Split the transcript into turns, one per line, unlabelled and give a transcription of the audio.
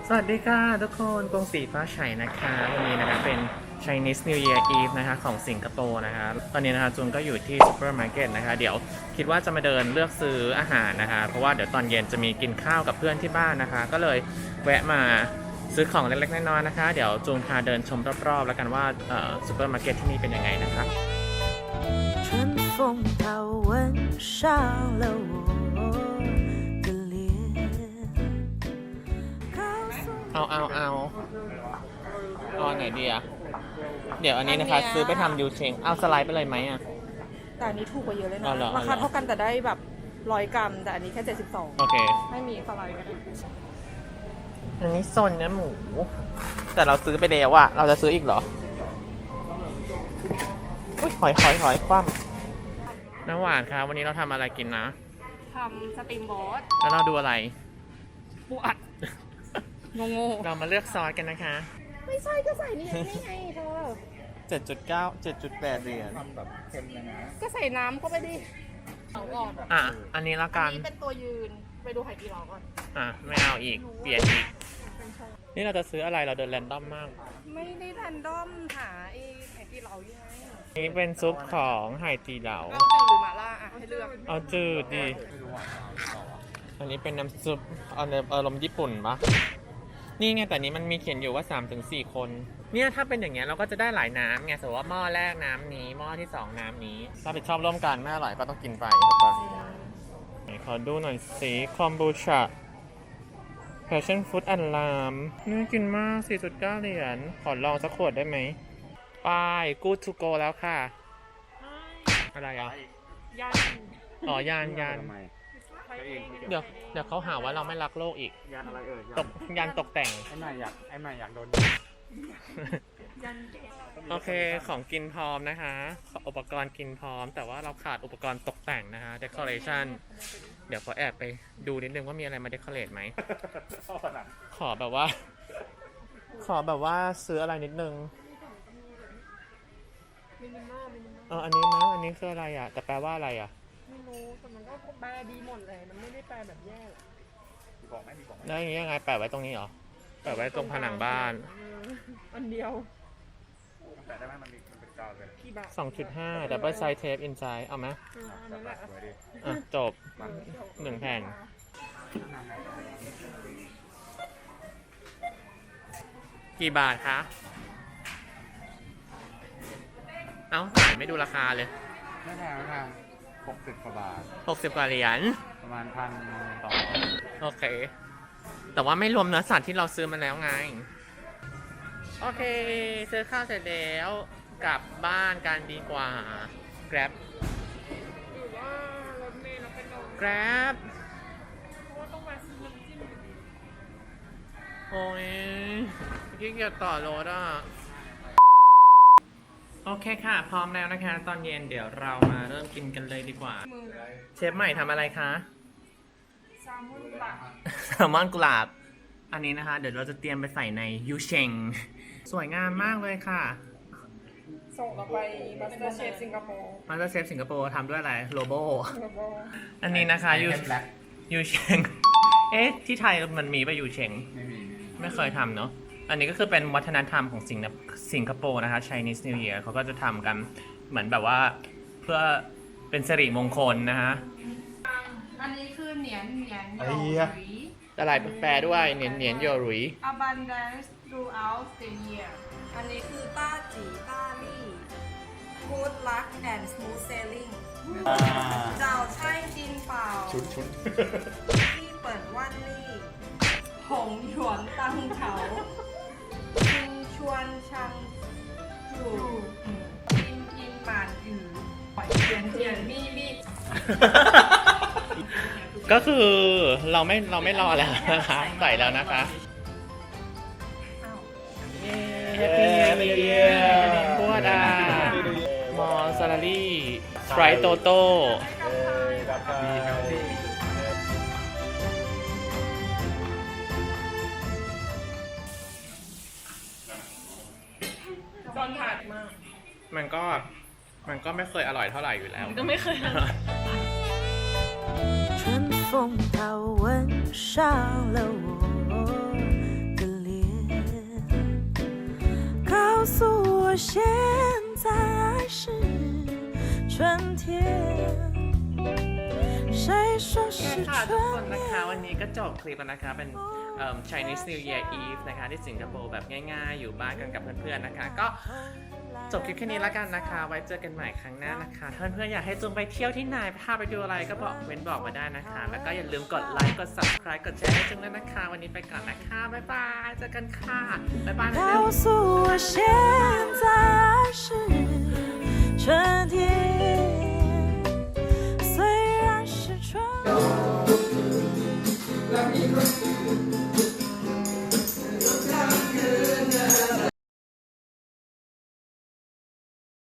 สวัสดีค่ะทุกคนกรุงศรีฟ้าไฉนะคะวันนี้นะคะเป็น Chinese New Year Eve นะคะของสิงคโปร์นะคะตอนนี้นะคะจุนก็อยู่ที่ซูเปอร์มาร์เก็ตนะคะเดี๋ยวคิดว่าจะมาเดินเลือกซื้ออาหารนะคะเพราะว่าเดี๋ยวตอนเย็นจะมีกินข้าวกับเพื่อนที่บ้านนะคะก็เลยแวะมาซื้อของเล็กๆน้อยๆนะคะเดี๋ยวจูนพาเดินชมรอบๆแล้วกันว่าซูเปอร์มาร์เก็ตที่นี่เป็นยังไงนะคะ
春风它吻上了我的脸。
เอาไหนดีอะเดี๋ยวอันนี้นะคะซื้อไปทำยูเชงเอาสไลด์ไปเลยไหมอะ
แต่อันนี้ถูกกว่าเยอะเลยนะ
อ๋อเหรอ
ราคาเท่ากันแต่ได้แบบ100 กรัม แต่อันนี้แค่72
โอเค
ไม่มีสไลด์ก็ได้
อันนี้โซนเนื้อหมู แต่เราซื้อไปแล้วอะเราจะซื้ออีกเหรออุ๊ยหอยคว่ำน้ำหวานครับวันนี้เราทำอะไรกินนะ
ทำสตรีมบอส
แล้วเราดูอะไร
ปูอัดงง
เรามาเลือกซอสกันนะคะ
ๆไม่ใช่ก็ใส่นี่ไงเธอ
7.9 7.8 เหรียญ
ก็ใส่น้ำเข้าไปดิเอาก่อน
อ่ะ อันนี้ละ
อั
กัน น
นี้เป็นตัวยืนไปดูไข่ดีเราก่อน
อ่ะ ไม่เอาอีก เปลี่ยนอีก นี่เราจะซื้ออะไรเราเดินแรนดอมมาก
ไม่ได้แรนดอมหาไอ้ไข่ดีเรายังไง
นี่เป็นซุปของไหตีเหลา
เอาจืดหรือหม่าล่าอ่ะให้เลือก
เอาจืดดิ อันนี้เป็นน้ำซุปเอาในอารมณ์ญี่ปุ่นปะนี่ไงแต่นี้มันมีเขียนอยู่ว่า 3-4 คน เนี่ยถ้าเป็นอย่างเงี้ยเราก็จะได้หลายน้ำไงสมมติว่าหม้อแรกน้ำนี้หม้อที่ 2 น้ำนี้ถ้าไปชอบร่วมกันไม่อร่อยก็ต้องกินไปครับไหนขอดูหน่อยสิคอมบูชา Passion Fruit and Lime น่ากินมาก 4.9 เหรียญขอลองสักขวดได้ไหมไป Good to go แล้วค่ะ อะไรอ่ะ
ยัน
อ๋อยานเดี๋ยวเขาหาว่าเราไม่รักโลกอีก
ยานอะไรเอ่ย
ยานตกแต่ง
ไอ้ใหม่อยากโดน
ยัน
โอเคของกินพร้อมนะคะอุปกรณ์กินพร้อมแต่ว่าเราขาดอุปกรณ์ตกแต่งนะคะ decoration เดี๋ยวขอแอบไปดูนิดนึงว่ามีอะไรมา decorate ไหม ขอแบบว่าซื้ออะไรนิดนึงอันนี้นะอันนี้คืออะไรอ่ะแต่แปลว่าอะไรอ่ะ
ไม่รู้แต่มันก็แปลดีหมดเลยมันไม่ได้แปลแบบแย่
แล้วอย่างนี้ยังไงแปะไว้ตรงนี้เหรอแปะไว้ตรงผนังบ้าน
อันเดียว
แต่ได้ไหมมันเป็นกาวเลย
กี่บาท
2.5 double side tape inside เอาไหม
อันนั้นแหละ
สวยดิ
อ่ะจบ1 แผ่นกี่บาทคะเอ้าขายไม่ดูราคาเลย
ไม่แพงไม่แพง60 กว่าบาท
60 กว่าเหรียญ
ประมาณ1,200
โอเค แต่ว่าไม่รวมเนื้อสัตว์ที่เราซื้อมาแล้วไง โอเค ซื้อข้าวเสร็จแล้วกลับบ้านกันดีกว่า Grab
หรือว่ารถเมล์เราเป็นลม
Grab
เพราะว่าต้องมาซื้อน้ำจิ้ม
โอ้ยขี้เกียจต่อรถอ่ะ โอเคค่ะ พร้อมแล้วนะคะ ตอนเย็นเดี๋ยวเรามาเริ่มกินกันเลยดีกว่า
มือ
เชฟใหม่ทำอะไรคะ
แซลมอนปลา
แซลมอนกุหลาบ อันนี้นะคะ เดี๋ยวเราจะเตรียมไปใส่ในยูเชง สวยงามมากเลยค่ะ
ส่งเราไปมาสเตอร์เชฟสิงคโปร์
มาสเตอร์เชฟสิงคโปร์ทำด้วยอะไรโลโบ
แล้วก็
อันนี้นะคะยูเชง เอ๊ะ ที่ไทยมันมีป่ะยูเชง ไม่เคยทำเนาะ อันนี้ก็คือเป็นวัฒนธรรมของสิงคโปร์นะคะ Chinese New Year เขาก็จะทำกันเหมือนแบบว่าเพื่อเป็นสิริมงคลนะคะ
อันนี้คือเหนียนโยหรี
ตลาดแปลด้วยเหนียนโยหรุย
abundance throughout the year อันนี้คือต้าจีต้าลี่ good luck and smooth sailing เจ้าใช่จินเปล่าชุนที่เปิดว่านลี่หงหยวนตังเขาชิงชวนชังจู่อินหมานอือหอยเทียนมี่ลี่
ก็คือเราไม่รอแล้วนะคะใส่แล้วนะคะเย้ Happy New Year พวดมอซาลารี่สไปร์โตโต้
มีเฮลตี้
ตอนถัดมา
มันก็ไม่เคยอร่อยเท่าไหร่อยู่แล้ว
ก็ไม่เคย
春风它吻上了我的现在爱是春天，谁说是
ค่ะทุกคน
春
นะคะ
天？
วันนี้ก็จบคลิปแล้วนะคะเป็น Chinese New Year Eve นะคะที่สิงคโปร์แบบง่ายๆ อยู่บ้านกันกับเพื่อนๆนะคะ ก็จบคลิปแค่นี้แล้วกันนะคะ ไว้เจอกันใหม่ครั้งหน้านะคะถ้าเพื่อนๆอยากให้จุงไปเที่ยวที่ไหนพาไปดูอะไรก็บอกบอกมาได้นะคะ แล้วก็อย่าลืมกดไลค์กด subscribe กดแชร์ให้จุงด้วยนะคะ วันนี้ไปก่อนนะคะบ๊ายบายเจอกันค่ะบ๊ายบายนะ
告诉我，现在爱是春天。